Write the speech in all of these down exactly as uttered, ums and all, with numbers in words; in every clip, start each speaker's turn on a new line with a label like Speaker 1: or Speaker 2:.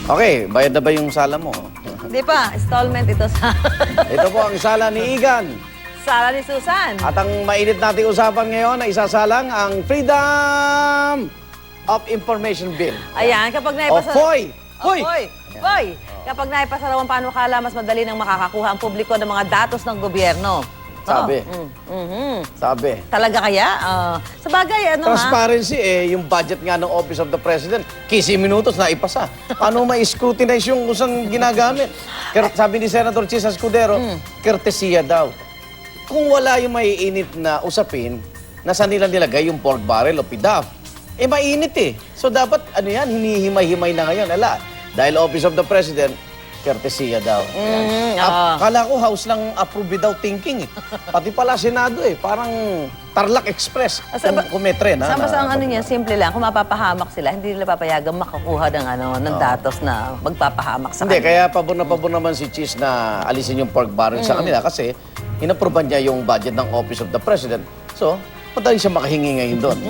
Speaker 1: Okay, bayad na ba yung sala mo?
Speaker 2: Hindi pa, installment ito sa
Speaker 1: Ito po ang sala ni Igan.
Speaker 2: sala ni Susan.
Speaker 1: At ang mainit nating usapan ngayon ay isasalang ang Freedom of Information Bill.
Speaker 2: Ayan, kapag
Speaker 1: O
Speaker 2: naipasa...
Speaker 1: F O I! Hoy!
Speaker 2: Hoy! Hoy! Kapag naipasa raw ang panukala, mas madali nang makakakuha ang publiko ng mga datos ng gobyerno.
Speaker 1: Sabi.
Speaker 2: Oh, mm, mhm.
Speaker 1: Sabi.
Speaker 2: Talaga kaya? Ah, sa bagay, ano ha?
Speaker 1: Transparency eh, yung budget nga ng Office of the President, fifteen minutos na ipasa. Paano ma-scrutinize yung kusang ginagamit? Ker- sabi ni Senator Chis Escudero, kertesiya daw. Kung wala yung maiinit na usapin, nasa nila nilagay yung pork barrel o P D A F? Eh, mainit eh. So, dapat, ano yan, hinihimay-himay na ngayon. Ala, dahil Office of the President, kertesiya daw.
Speaker 2: Mm,
Speaker 1: Ap- Kala ko house lang approve without thinking eh. Pati pala Senado eh. Parang Tarlac Express.
Speaker 2: Ah, sa-
Speaker 1: Kung, kung may tren, ha?
Speaker 2: Sa basta ang
Speaker 1: na-
Speaker 2: ano niya, simple lang. Kung mapapahamak sila, hindi nila papayagan makakuha ng, ano, ng datos na magpapahamak sa
Speaker 1: Hindi,
Speaker 2: kanila.
Speaker 1: kaya pabor na pabor naman si Cheese na alisin yung pork barrel
Speaker 2: Mm.
Speaker 1: sa kanila kasi inapprovean niya yung budget ng Office of the President. So, madali siya makahingi ngayon doon.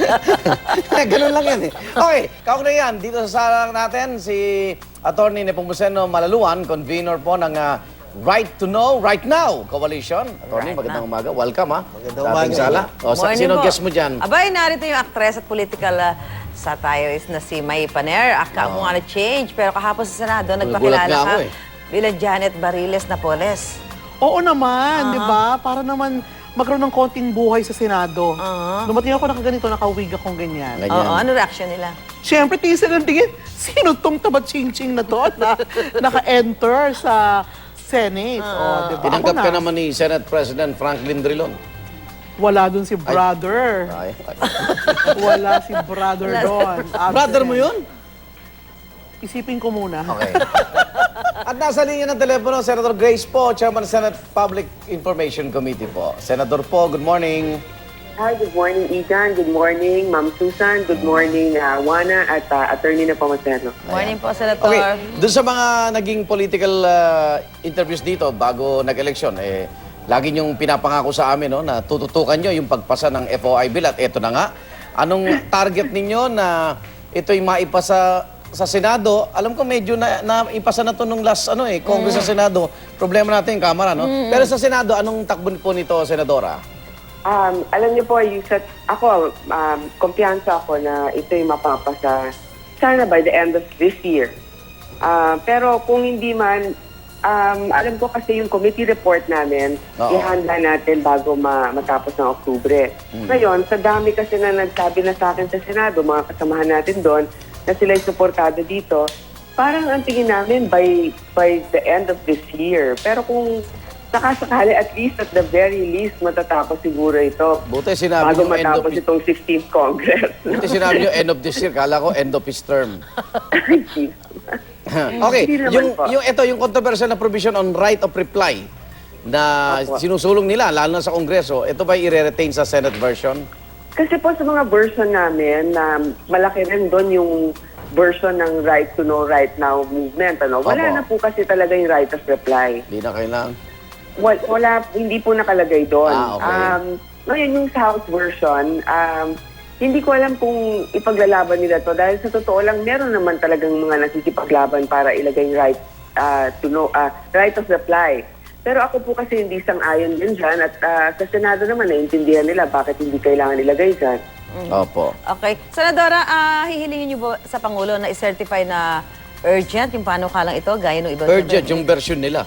Speaker 1: Ganun lang yan eh. Okay, kaugnay yan. Dito sa sala natin, si Attorney Nepomuceno Malaluan, convener po ng ah, Right to Know, Right Now Coalition. Attorney,
Speaker 2: Right
Speaker 1: magandang umaga. Welcome ha.
Speaker 3: Magandang
Speaker 1: Sa ating
Speaker 3: umaga.
Speaker 1: sala. O, sa,
Speaker 2: Morning
Speaker 1: sino
Speaker 2: po.
Speaker 1: guest mo dyan?
Speaker 2: Abay, narito yung actress at political uh, satirist na si May Paner. Aka mo nga na-change, pero kahapon sa Senado, nagpakilala
Speaker 1: nga
Speaker 2: ka
Speaker 1: ako eh.
Speaker 2: bilang Janet Bariles Napoles.
Speaker 3: Oo naman, di ba? Para naman magkaroon ng konting buhay sa Senado.
Speaker 2: Aha.
Speaker 3: Dumating ako nakaganito, nakawig akong ganyan.
Speaker 1: Ganyan.
Speaker 2: Oo, ano reaction nila?
Speaker 3: Siyempre, tingin sila ng tingin, sino tong tabat-ching-ching na to na naka-enter sa Senate? O, di ba?
Speaker 1: Tinanggap
Speaker 3: Ako
Speaker 1: ka
Speaker 3: na.
Speaker 1: naman ni Senate President Franklin Drilon.
Speaker 3: Wala dun si brother.
Speaker 1: Ay, ay.
Speaker 3: Wala si brother doon.
Speaker 1: Brother mo yun?
Speaker 3: Isipin ko muna.
Speaker 1: Okay. At nasa linya ng telepono, Senator Grace Po, Chairman ng Senate Public Information Committee po. Senator Po, good morning.
Speaker 4: Hi, good morning, Igan. Good morning, Ma'am Susan. Good morning, uh, Juana at uh, Attorney Nepomuceno.
Speaker 2: Morning po, Senator.
Speaker 1: Okay, doon sa mga naging political uh, interviews dito bago nag-eleksyon, eh, lagi niyong pinapangako sa amin no, na tututukan niyo yung pagpasa ng F O I bill at eto na nga. Anong target ninyo na ito'y maipasa sa Senado? Alam ko medyo na, naipasa na to nung last ano eh, Congress sa Senado. Problema natin yung Kamara, no? Pero sa Senado, anong takbo po nito, Senadora?
Speaker 4: Um, alam niyo po, yung sa, ako, um, kumpiyansa ako na ito'y mapapasa sana by the end of this year. Uh, pero kung hindi man, um, alam ko kasi yung committee report namin,
Speaker 1: Oo.
Speaker 4: ihanda natin bago ma matapos ng Oktubre. Ngayon, sa dami kasi na nagsabi na sa akin sa Senado, mga kasamahan natin doon, na sila'y suportado dito, parang ang tingin namin by, by the end of this year. Pero kung nakasakali, at least at the very least, matatapos siguro ito
Speaker 1: Buti sinabi
Speaker 4: bago
Speaker 1: niyo end of
Speaker 4: matapos
Speaker 1: his,
Speaker 4: itong sixteenth Congress.
Speaker 1: buti sinabi niyo end of this year. Kala ko end of his term. Okay,
Speaker 4: Hindi naman
Speaker 1: yung,
Speaker 4: po.
Speaker 1: yung ito, yung controversial na provision on right of reply na
Speaker 4: Opo.
Speaker 1: sinusulong nila, lalo na sa Kongreso, ito ba i-retain sa Senate version?
Speaker 4: Kasi po sa mga version namin, na malaki rin doon yung version ng right to know right now movement. Ano? Wala
Speaker 1: Opo.
Speaker 4: na po kasi talaga yung right of reply.
Speaker 1: Hindi na kailangan.
Speaker 4: Wala, wala hindi po nakalagay doon.
Speaker 1: Ah, okay.
Speaker 4: Um, ngayon, yung sa House version, um, hindi ko alam kung ipaglalaban nila to dahil sa totoo lang, meron naman talagang mga nasisipaglaban para ilagay yung right uh, to know, uh, right of reply. Pero ako po kasi hindi sang-ayon din dyan at uh, sa Senado naman naiintindihan nila bakit hindi kailangan ilagay dyan.
Speaker 1: Opo.
Speaker 2: Okay. Senadora, ah, hihilingin niyo ba sa Pangulo na i-certify na urgent yung panukalang ito, gaya ng ibang...
Speaker 1: Urgent, yung version nila.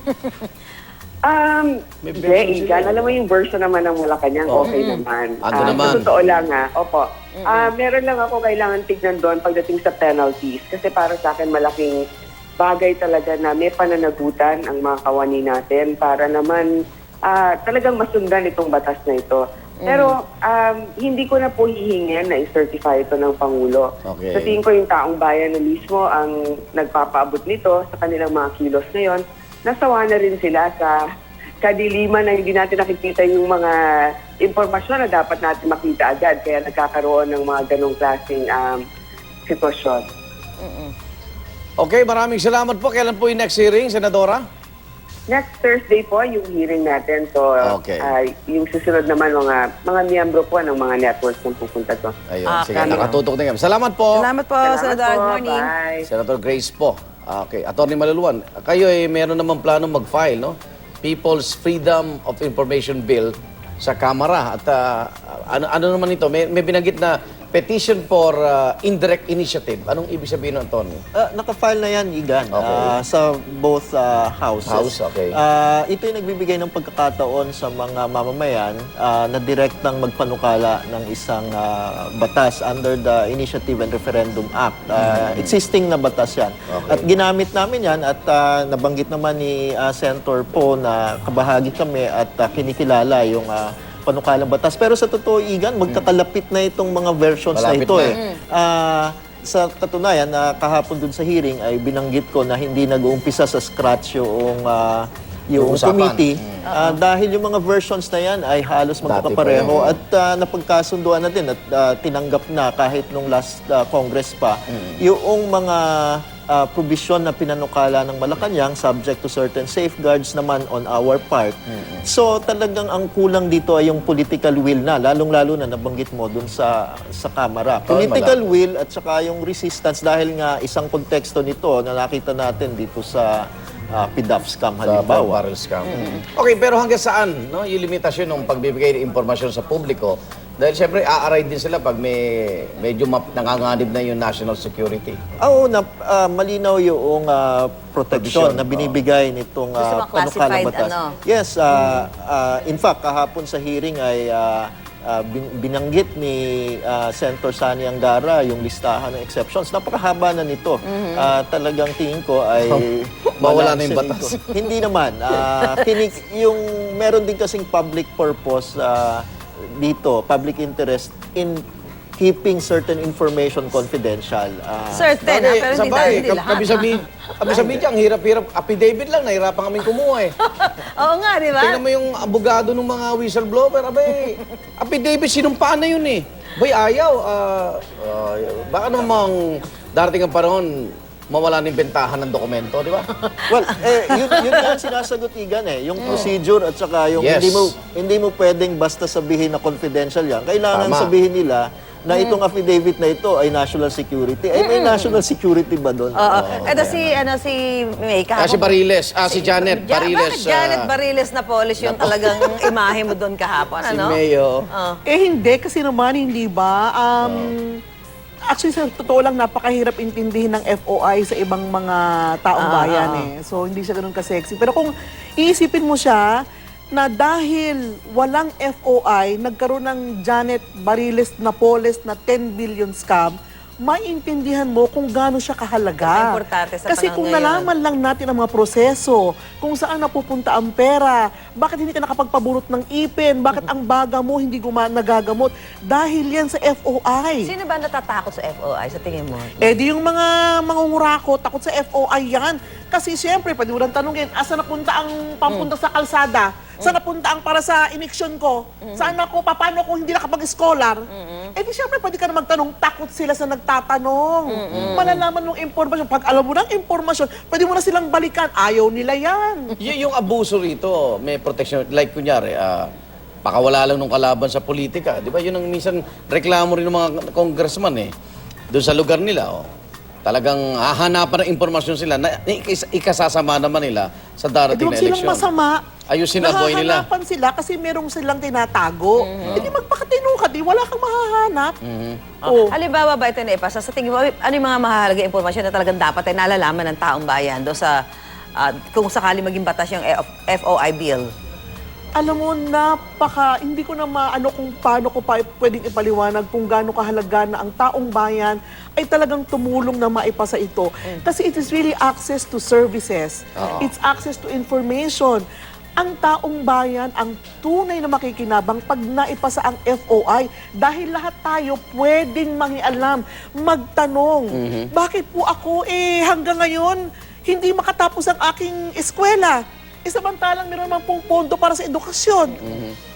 Speaker 4: Um,
Speaker 1: May
Speaker 4: hindi,
Speaker 1: version
Speaker 4: Igan.
Speaker 1: sila.
Speaker 4: Alam mo yung version naman ng Malacanang,
Speaker 1: Oh.
Speaker 4: okay naman.
Speaker 1: Ando
Speaker 4: Ah,
Speaker 1: naman.
Speaker 4: Sa totoo lang ha, opo. Ah, meron lang ako kailangan tignan doon pagdating sa penalties. Kasi para sa akin malaking bagay talaga na may pananagutan ang mga kawani natin para naman ah, talagang masundan itong batas na ito. Pero um, hindi ko na po hihingin na i-certify ito ng Pangulo.
Speaker 1: Okay.
Speaker 4: Sa tingin ko yung taong bayan na mismo ang nagpapaabot nito sa kanilang mga kilos ngayon, nasawa na rin sila sa kadiliman na hindi natin nakikita yung mga impormasyon na dapat natin makita agad. Kaya nagkakaroon ng mga ganong klaseng um, sitwasyon.
Speaker 1: Okay, maraming salamat po. Kailan po yung next hearing, Senadora?
Speaker 4: Next Thursday po yung hearing natin. So,
Speaker 1: Okay.
Speaker 4: ah, yung susunod naman mga mga miyembro po ng mga networks na pupunta to.
Speaker 1: Ayun,
Speaker 2: Ah,
Speaker 1: sige,
Speaker 2: okay.
Speaker 1: nakatutok na yan. Salamat po.
Speaker 2: Salamat po,
Speaker 4: Salamat
Speaker 2: Senador.
Speaker 4: po.
Speaker 2: Good morning.
Speaker 4: Bye.
Speaker 1: Senator Grace po. Ah, Okay, Attorney Maluluan, kayo ay meron naman plano mag-file, no? People's Freedom of Information Bill sa Kamara. At ah, ano, ano naman ito? May, may binanggit na petition for ah, indirect initiative. Anong ibig sabihin ng Attorney?
Speaker 5: Uh, naka-file na yan, Igan,
Speaker 1: Okay.
Speaker 5: ah, sa both ah, houses.
Speaker 1: House, okay.
Speaker 5: Ah, ito yung nagbibigay ng pagkakataon sa mga mamamayan ah, na direktang magpanukala ng isang ah, batas under the Initiative and Referendum Act. Ah, Existing na batas yan.
Speaker 1: Okay.
Speaker 5: At ginamit namin yan at ah, nabanggit naman ni ah, Senator Po na kabahagi kami at ah, kinikilala yung ah, panukalang batas. Pero sa totoo, Igan, magkakalapit na itong mga versions
Speaker 1: Malapit
Speaker 5: na ito.
Speaker 1: na.
Speaker 5: Eh. Ah, sa katunayan, na kahapon dun sa hearing ay binanggit ko na hindi nag-uumpisa sa scratch yung, ah, yung
Speaker 1: Yung usapan.
Speaker 5: committee. Ah, dahil yung mga versions na yan ay halos
Speaker 1: Dati pa
Speaker 5: magkakapareho at ah, napagkasunduan na din at ah, tinanggap na kahit nung last ah, Congress pa yung mga ah, provision na pinanukala ng Malacanang subject to certain safeguards naman on our part. So talagang ang kulang dito ay yung political will na, lalong-lalo na nabanggit mo dun sa sa Kamara.
Speaker 1: Oh,
Speaker 5: Political will at saka yung resistance dahil nga isang konteksto nito na nakita natin dito sa uh, P D A F scam
Speaker 1: Sa
Speaker 5: halimbawa.
Speaker 1: barrel scam. Okay, pero hanggang saan no, yung limitasyon ng pagbibigay ng impormasyon sa publiko? Dahil siyempre, aaray din sila pag may medyo map, nanganganib na yung national security.
Speaker 5: Oo, na, ah, malinaw yung ah, protection
Speaker 1: Provision,
Speaker 5: na binibigay nitong
Speaker 2: So, sa
Speaker 5: uh,
Speaker 2: mga classified, ano?
Speaker 5: Yes, ah, ah, in fact, kahapon sa hearing ay ah, ah, bin- binanggit ni ah, Senator Sani Angara yung listahan ng exceptions. Napakahaba na nito. Ah, talagang tingin ko ay...
Speaker 1: Mawala na yung
Speaker 5: balanse
Speaker 1: batas.
Speaker 5: nito. Hindi naman. Ah, kinik- yung meron din kasing public purpose ah, dito, public interest in keeping certain information confidential. Ah,
Speaker 2: Certain, ah, pero hindi
Speaker 1: sabay,
Speaker 2: dahil hindi
Speaker 1: kab-
Speaker 2: lahat.
Speaker 1: Kami sa media, kami sa media, ang hirap-hirap. Affidavit lang, nahirapan kaming kumuha eh.
Speaker 2: Oo nga, di ba?
Speaker 1: Tingnan mo yung abogado ng mga whistleblower, abay, affidavit, sinumpaan na yun eh. Boy, ayaw. ah, ah, baka namang darating ang panahon, mawala ng bentahan ng dokumento, di ba?
Speaker 5: Well, eh, yun, yun nga ang sinasagot, Igan eh. Yung procedure at saka yung
Speaker 1: Yes.
Speaker 5: hindi mo hindi mo pwedeng basta sabihin na confidential yan. Kailangan
Speaker 1: Tama.
Speaker 5: sabihin nila na itong affidavit na ito ay national security. Ay, may national security ba doon?
Speaker 2: Oo. Ito si, ano, si May
Speaker 1: Ah, si
Speaker 2: kahapon.
Speaker 1: Bariles, ah, si Janet
Speaker 2: Ja-
Speaker 1: Bariles.
Speaker 2: Bakit Janet
Speaker 1: ah,
Speaker 2: Bariles na polish yung talagang imahe mo doon kahapon,
Speaker 1: si
Speaker 2: ano?
Speaker 1: Mayo.
Speaker 3: Eh hindi, kasi naman hindi ba? Um, Actually, sa totoo lang, napakahirap intindihin ng F O I sa ibang mga taong
Speaker 2: Ah,
Speaker 3: bayan
Speaker 2: ah,
Speaker 3: eh. So, hindi siya ganun ka-sexy. Pero kung iisipin mo siya, na dahil walang F O I, nagkaroon ng Janet Bariles Napoles na ten billion scam, maintindihan mo kung gaano siya kahalaga.
Speaker 2: Importante sa
Speaker 3: Kasi
Speaker 2: panahon
Speaker 3: kung
Speaker 2: ngayon.
Speaker 3: nalaman lang natin ang mga proseso, kung saan napupunta ang pera, bakit hindi ka nakapagpaburot ng ipin, bakit ang baga mo hindi guma- nagagamot, dahil yan sa F O I.
Speaker 2: Sino ba natatakot sa F O I, sa tingin mo?
Speaker 3: Eh di yung mga mangungurako, takot sa F O I yan. Kasi siyempre, pwede mo lang tanungin, asa napunta ang pampunta sa kalsada? Saan napunta ang para sa iniksyon ko? Saan ako, paano kung hindi nakapag-scholar? Eh di siyempre, pwede ka na magtanong, takot sila sa nagtatanong. Malalaman mong impormasyon. Pag alam mo ng impormasyon, pwede mo na silang balikan. Ayaw nila yan.
Speaker 1: Y- yung abuso rito, may protection. Like kunyari, ah, pakawala lang nung kalaban sa politika. Di ba? Yun ang minsan reklamo rin ng mga congressman eh. Doon sa lugar nila, oh. Talagang hahanapan ng impormasyon sila na ikas- ikasasama naman nila sa
Speaker 3: Eh,
Speaker 1: darating
Speaker 3: huwag
Speaker 1: na
Speaker 3: silang
Speaker 1: eleksyon.
Speaker 3: masama.
Speaker 1: Ayusin na buhay nila.
Speaker 3: Nahahanapan sila kasi merong silang tinatago. Eh di magpakatino ka, di wala kang mahahanap. Oh.
Speaker 2: Halimbawa ba ito na ipasa? Sa tingin mo, ano yung mga mahalaga impormasyon na talagang dapat ay nalalaman ng taong bayan do sa ah, kung sakali maging batas yung F O I bill?
Speaker 3: Alam mo, napaka, hindi ko na maano kung paano ko pa pwedeng ipaliwanag kung gaano kahalaga na ang taong bayan ay talagang tumulong na maipasa ito. Kasi it is really access to services. It's access to information. Ang taong bayan ang tunay na makikinabang pag naipasa ang F O I dahil lahat tayo pwedeng mangialam, magtanong. Bakit po ako eh hanggang ngayon hindi makatapos ang aking eskwela? E samantalang meron naman pong pondo para sa edukasyon.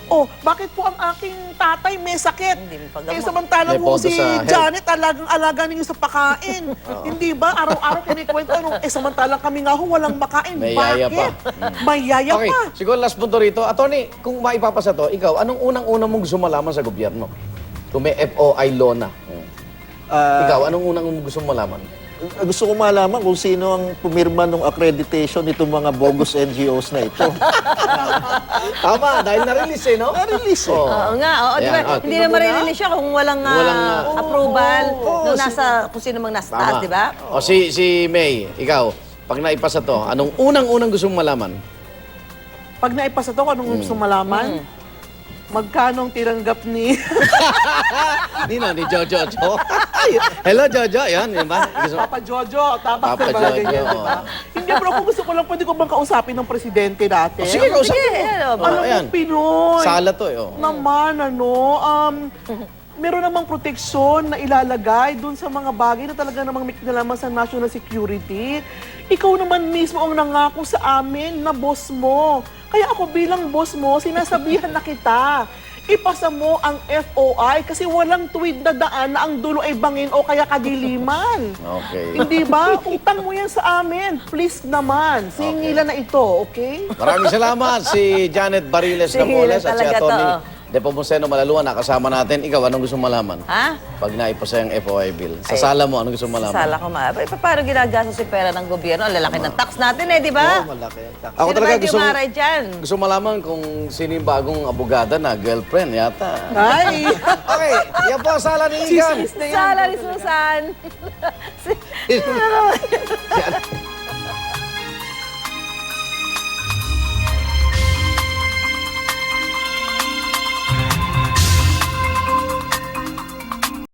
Speaker 3: Oh, bakit po ang aking tatay may sakit?
Speaker 2: Hindi mo paggamot.
Speaker 3: Eh, samantalang
Speaker 1: May
Speaker 3: mo
Speaker 1: pondo
Speaker 3: si
Speaker 1: sa health.
Speaker 3: Janet, alagang-alaga ninyo sa pakain. Hindi ba? Araw-araw kinikwento. Ano? Eh, samantalang kami nga ho, walang makain.
Speaker 1: May yaya
Speaker 3: bakit?
Speaker 1: pa.
Speaker 3: May yaya
Speaker 1: Okay,
Speaker 3: pa.
Speaker 1: siguro last punto rito. Attorney, kung maipapasa to, ikaw, anong unang-unang mong gusto malaman sa gobyerno? Kung may F O I law na. Hmm.
Speaker 5: Ah,
Speaker 1: Ikaw, anong unang mong gusto malaman?
Speaker 5: gusto ko malaman kung sino ang pumirma ng accreditation nitong mga bogus N G Os na ito.
Speaker 1: Tama, dahil na-release eh, no?
Speaker 5: Na-release eh.
Speaker 1: Oo.
Speaker 2: Oo nga, oo, di ba?
Speaker 1: Ayan, ah,
Speaker 2: Hindi na marirelease siya kung walang, ah,
Speaker 1: Walang, ah,
Speaker 2: approval
Speaker 5: oo,
Speaker 2: nung nasa, kung sino mang nasa taas, di ba?
Speaker 1: O si, si May, ikaw, pag naipasa to, anong unang-unang gusto mong malaman?
Speaker 3: Pag naipasa to, anong gusto malaman? Magkano ang tinanggap ni...
Speaker 1: Nino, ni Jojo. Jo. Hello, Jojo. Yan, yan ba? Gusto-
Speaker 3: Papa Jojo, tama
Speaker 1: Papa
Speaker 3: ba
Speaker 1: Jojo,
Speaker 3: ganyan, di ba? Hindi, pero kung gusto ko lang, pwede ko bang kausapin ng presidente natin?
Speaker 1: Sige, kausapin
Speaker 2: Sige,
Speaker 1: mo.
Speaker 2: ano,
Speaker 1: Oh,
Speaker 3: Alam mo,
Speaker 1: ayan.
Speaker 3: Pinoy.
Speaker 1: Sala to eh. Oh.
Speaker 3: Naman, ano, um, meron namang proteksyon na ilalagay dun sa mga bagay na talaga namang may kinalaman sa national security. Ikaw naman mismo ang nangako sa amin na boss mo. Kaya ako bilang boss mo, sinasabihan na kita. Ipasa mo ang F O I kasi walang tuwid na daan na ang dulo ay bangin o kaya kadiliman.
Speaker 1: Okay.
Speaker 3: Hindi ba? Utang mo yan sa amin. Please naman. Singilan na ito, okay?
Speaker 1: Maraming salamat si Janet Bariles
Speaker 2: Sige,
Speaker 1: Napoles at si
Speaker 2: talaga to,
Speaker 1: Atty.
Speaker 2: oh.
Speaker 1: Depo Monseno Malaluan, nakasama natin. Ikaw, anong gusto mong malaman?
Speaker 2: Ha?
Speaker 1: Pag naipasa yung F O I bill. Sa sala mo, anong gusto mong malaman?
Speaker 2: Sala ko ma. Pa- paano ginagastos yung pera ng gobyerno? Ang lalaki ng tax natin eh, di ba?
Speaker 5: Oo, malaki.
Speaker 1: Ako
Speaker 2: Sino
Speaker 1: talaga
Speaker 2: ba hindi
Speaker 1: gusto,
Speaker 2: umaray dyan?
Speaker 1: gusto malaman kung sino yung bagong abogada na girlfriend yata.
Speaker 3: Ay!
Speaker 1: Okay, yan po ang sala ni Igan.
Speaker 3: Chismis na yan.
Speaker 2: Sala ni Susan. Si-
Speaker 1: Si